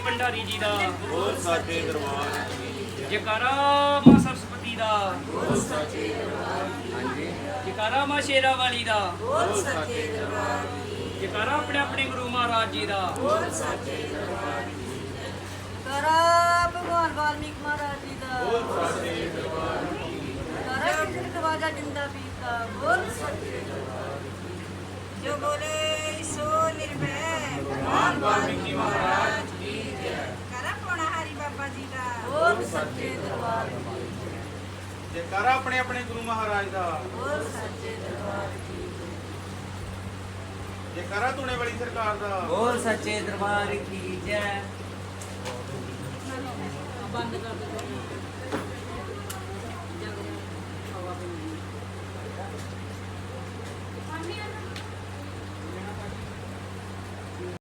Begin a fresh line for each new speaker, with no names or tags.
ਭੰਡਾਰੀ ਜੀ ਦਾ,
ਬੋਲ ਸਾਚੇ ਦਰਬਾਰ ਕੀ ਜੈ।
ਜੈਕਾਰਾ ਮਾਂ ਸਰਸਵਤੀ ਦਾ,
ਬੋਲ ਸੱਚੇ ਦਰਬਾਰ ਕੀ,
ਹਾਂਜੀ
ਜੈਕਾਰਾ ਮਾਂ ਸ਼ੇਰਾ ਵਾਲੀ ਦਾ,
ਬੋਲ ਸੱਚੇ ਦਰਬਾਰ ਕੀ,
ਜੈਕਾਰਾ ਆਪਣੇ ਆਪਣੇ ਗੁਰੂ ਮਹਾਰਾਜ ਜੀ ਦਾ।
ਬੋਲ ਸੱਚੇ ਦਰਬਾਰ ਕੀ। ਕਰਾ ਭਗਵਾਨ ਵਾਲਮੀਕ ਮਹਾਰਾਜ ਜੀ ਦਾ,
ਬੋਲ ਸਾਚੇ ਦਰਬਾਰ ਕੀ।
ਕਰਾ ਕਿਸ਼ਨ ਖਵਾਜਾ ਜਿੰਦਾ ਪੀਰ ਦਾ, ਬੋਲ ਸੱਚੇ ਦਰਬਾਰ ਕੀ। ਜੋ ਬੋਲੇ ਸੋ ਨਿਰਭੈ ਭਗਵਾਨ ਵਾਲਮੀਕ ਮਹਾਰਾਜ ਕੀ ਜੈ। ਕਰਾ ਪੋਣਾ ਹਰੀ ਬਾਬਾ ਜੀ ਦਾ, ਬੋਲ ਸੱਚੇ ਦਰਬਾਰ ਕੀ,
ਜੈਕਾਰਾ ਆਪਣੇ ਆਪਣੇ ਗੁਰੂ ਮਹਾਰਾਜ ਦਾ।
ਬੋਲ ਸੱਚੇ ਦਰਬਾਰ ਕੀ।
ਜੈਕਾਰਾ ਧੂਣੇ ਵਾਲੀ ਸਰਕਾਰ ਦਾ।
ਬੋਲ ਸੱਚੇ ਦਰਬਾਰ ਕੀ ਜੈ।
ਬੰਦ ਕਰ ਦਿਓ।